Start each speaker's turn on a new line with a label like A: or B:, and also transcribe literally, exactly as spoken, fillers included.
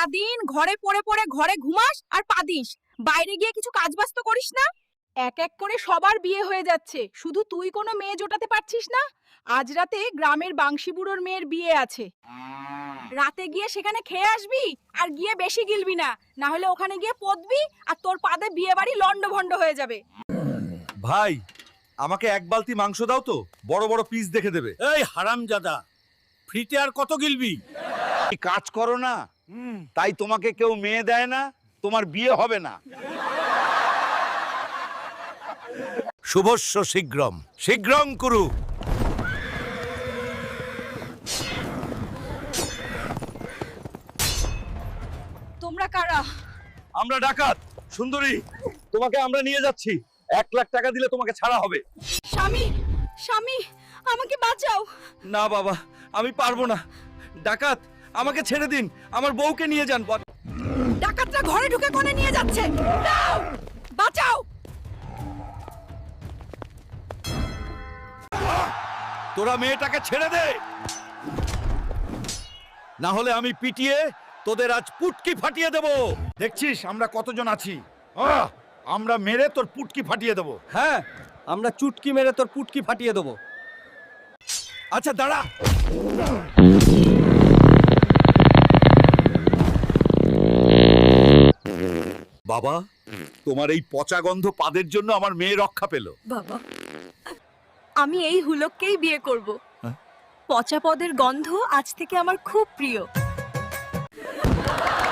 A: সারাদিন ঘরে পড়ে পড়ে ঘরে ঘুমাস আর পাদিস, বাইরে গিয়ে কিছু কাজবাজ তো করিস না। এক এক করে সবার বিয়ে হয়ে যাচ্ছে, শুধু তুই কোনো মেয়ে জোটাতে পারছিস না। আজ রাতে গ্রামের বাংশি বুড়োর মেয়ের বিয়ে আছে, রাতে গিয়ে সেখানে খেয়ে আসবি আর গিয়ে বেশি গিলবি না, না হলে ওখানে গিয়ে পদবি আর তোর পাদে বিয়ে বাড়ি লন্ডভন্ড হয়ে যাবে।
B: ভাই, আমাকে এক বালতি মাংস দাও তো, বড় বড় পিস দেখে দেবে।
C: এই হারামজাদা, ফ্রিতে আর কত গিলবি?
D: কাজ করো না, তাই তোমাকে কেউ মেয়ে দেয় না, তোমার বিয়ে হবে না।
B: শুভস্য শীঘ্রম, শীঘ্রং কুরু।
A: তোমরা কারা?
B: আমরা ডাকাত সুন্দরী, তোমাকে আমরা নিয়ে যাচ্ছি। এক লাখ টাকা দিলে তোমাকে ছাড়া হবে।
A: স্বামী, স্বামী, আমাকে বাঁচাও।
B: না বাবা, আমি পারবো না। ডাকাত, আমাকে ছেড়ে দিন, আমার বউকে নিয়ে যান।
A: ডাকাতরা ঘরে ঢুকে কোণে নিয়ে যাচ্ছে, দাও, বাঁচাও।
B: তোরা মেয়েটাকে ছেড়ে দে, না হলে আমি পিটিয়ে তোদের আজ পুটকি ফাটিয়ে দেব।
D: দেখছিস আমরা কতজন আছি, আহ, আমরা মেরে তোর পুটকি ফাটিয়ে দেবো।
E: হ্যাঁ, আমরা চুটকি মেরে তোর পুটকি ফাটিয়ে দেবো।
B: আচ্ছা দাঁড়া। বাবা, তোমার এই পচা গন্ধ পাদের জন্য আমার মেয়ে রক্ষা পেল।
A: বাবা, আমি এই হুলককেই বিয়ে করব। পচা পদের গন্ধ আজ থেকে আমার খুব প্রিয়।